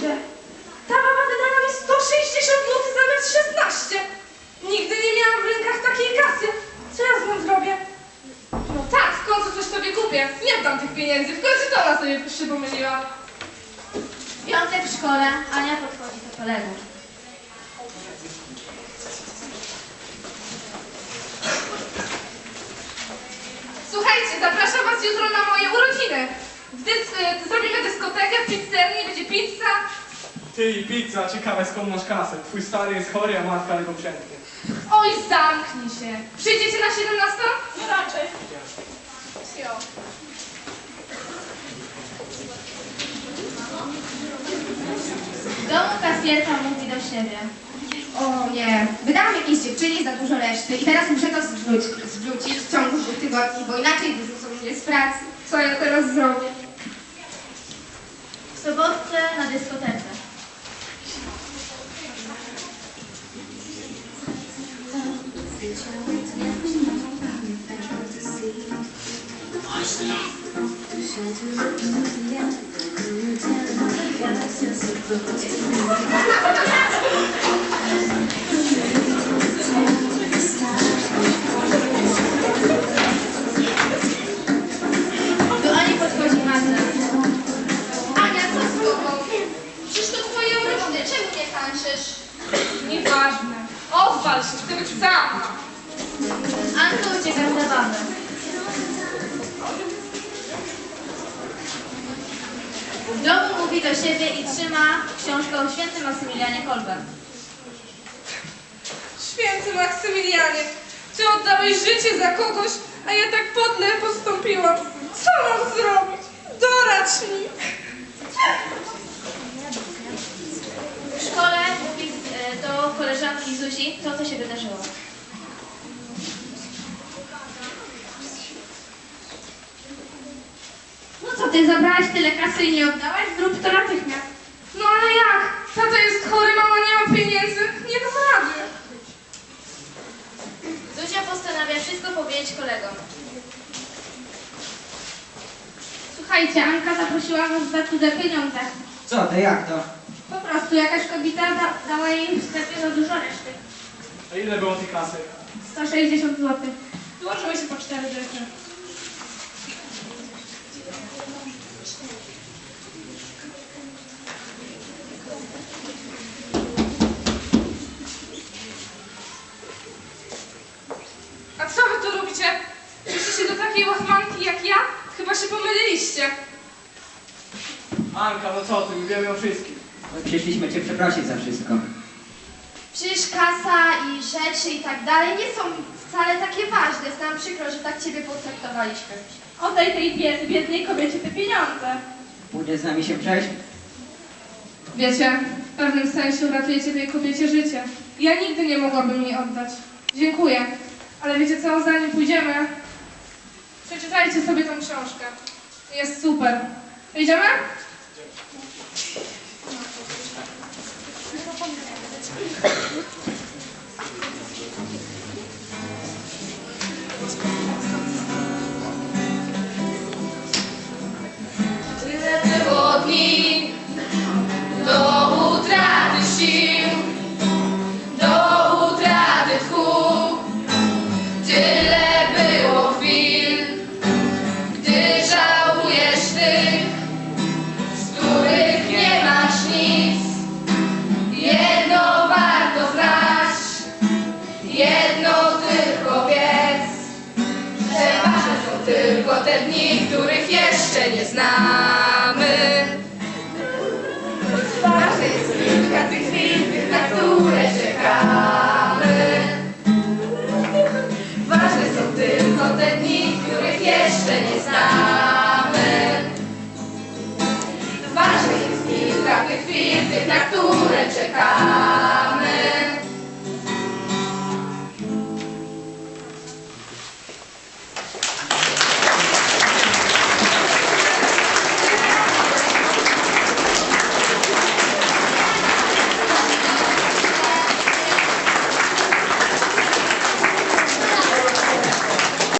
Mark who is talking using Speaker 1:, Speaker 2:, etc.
Speaker 1: ludzie! Ta baba wydała mi 160 zł zamiast 16! Nigdy nie miałam w rękach takiej kasy! Co ja z nią zrobię? No tak, w końcu coś sobie kupię. Nie oddam tych pieniędzy, w końcu to ona sobie się pomyliła.
Speaker 2: Piątek w szkole, Ania podchodzi do kolegów.
Speaker 1: Słuchajcie, zapraszam was jutro na moje urodziny. Zrobimy dyskotekę w pizzerni, będzie pizza.
Speaker 3: Ty i pizza, ciekawe skąd masz kasę. Twój stary jest chory, a matka ledwo przęknie.
Speaker 1: Oj, zamknij się. Przyjdziecie na 17?
Speaker 4: No raczej.
Speaker 1: Jo.
Speaker 2: W domu kasjerka mówi do siebie.
Speaker 5: O nie, wydałam jakiejś dziewczynie za dużo reszty i teraz muszę to zwrócić w ciągu 2 tygodni, bo inaczej wyrzucą mnie z pracy.
Speaker 1: Co ja teraz zrobię?
Speaker 2: W sobotę na dyskotece. Do Ani podchodzi Magda.
Speaker 5: Ania, co z tobą? Przecież to twoje urodziny, czemu nie tańczysz?
Speaker 1: Nieważne. Odwal się, chcę być sama.
Speaker 2: Anka ucieka z zabawy. W domu mówi do siebie i trzyma książkę o świętym Maksymilianie Kolbem.
Speaker 1: Święty Maksymilianie, ty oddałeś życie za kogoś, a ja tak podle postąpiłam. Co mam zrobić? Doradź mi.
Speaker 2: W szkole mówi do koleżanki Zuzi to, co się wydarzyło.
Speaker 5: No co, ty zabrałaś tyle kasy i nie oddałaś? Zrób to natychmiast.
Speaker 1: No ale jak? Tata jest chory, mama nie ma pieniędzy. Nie dam rady.
Speaker 2: Zuzia postanawia wszystko powiedzieć kolegom.
Speaker 5: Słuchajcie, Anka zaprosiła nas za cudze pieniądze.
Speaker 6: Co to, jak to?
Speaker 5: Po prostu jakaś kobieta dała jej w sklepie za dużo reszty.
Speaker 3: A ile było tej kasy?
Speaker 5: 160 zł.
Speaker 1: Złożyły się po 4 rzeczy. A co wy tu robicie? Przyszliście do takiej łachmanki jak ja? Chyba się pomyliliście.
Speaker 3: Anka, no co ty, my wiemy o wszystkim.
Speaker 6: Przyszliśmy cię przeprosić za wszystko.
Speaker 5: Przecież kasa i rzeczy i tak dalej nie są wcale takie ważne. Jest nam przykro, że tak ciebie potraktowaliśmy.
Speaker 1: Oddaj tej biednej kobiecie te pieniądze.
Speaker 6: Pójdziesz z nami się przejść?
Speaker 1: Wiecie, w pewnym sensie uratujecie tej kobiecie życie. Ja nigdy nie mogłabym jej oddać. Dziękuję. Ale wiecie co, zanim pójdziemy, przeczytajcie sobie tą książkę. Jest super. Idziemy?
Speaker 7: Tyle było dni do utraty sił, do utraty tchu. Tyle było chwil, gdy żałujesz tych, z których nie masz nic. Jedno warto znać, jedno tylko wiedz, że ważne są tylko te dni, których jeszcze nie znamy. Ważne jest kilka tych chwil, na które czekamy. Ważne są tylko te dni, których jeszcze nie znamy.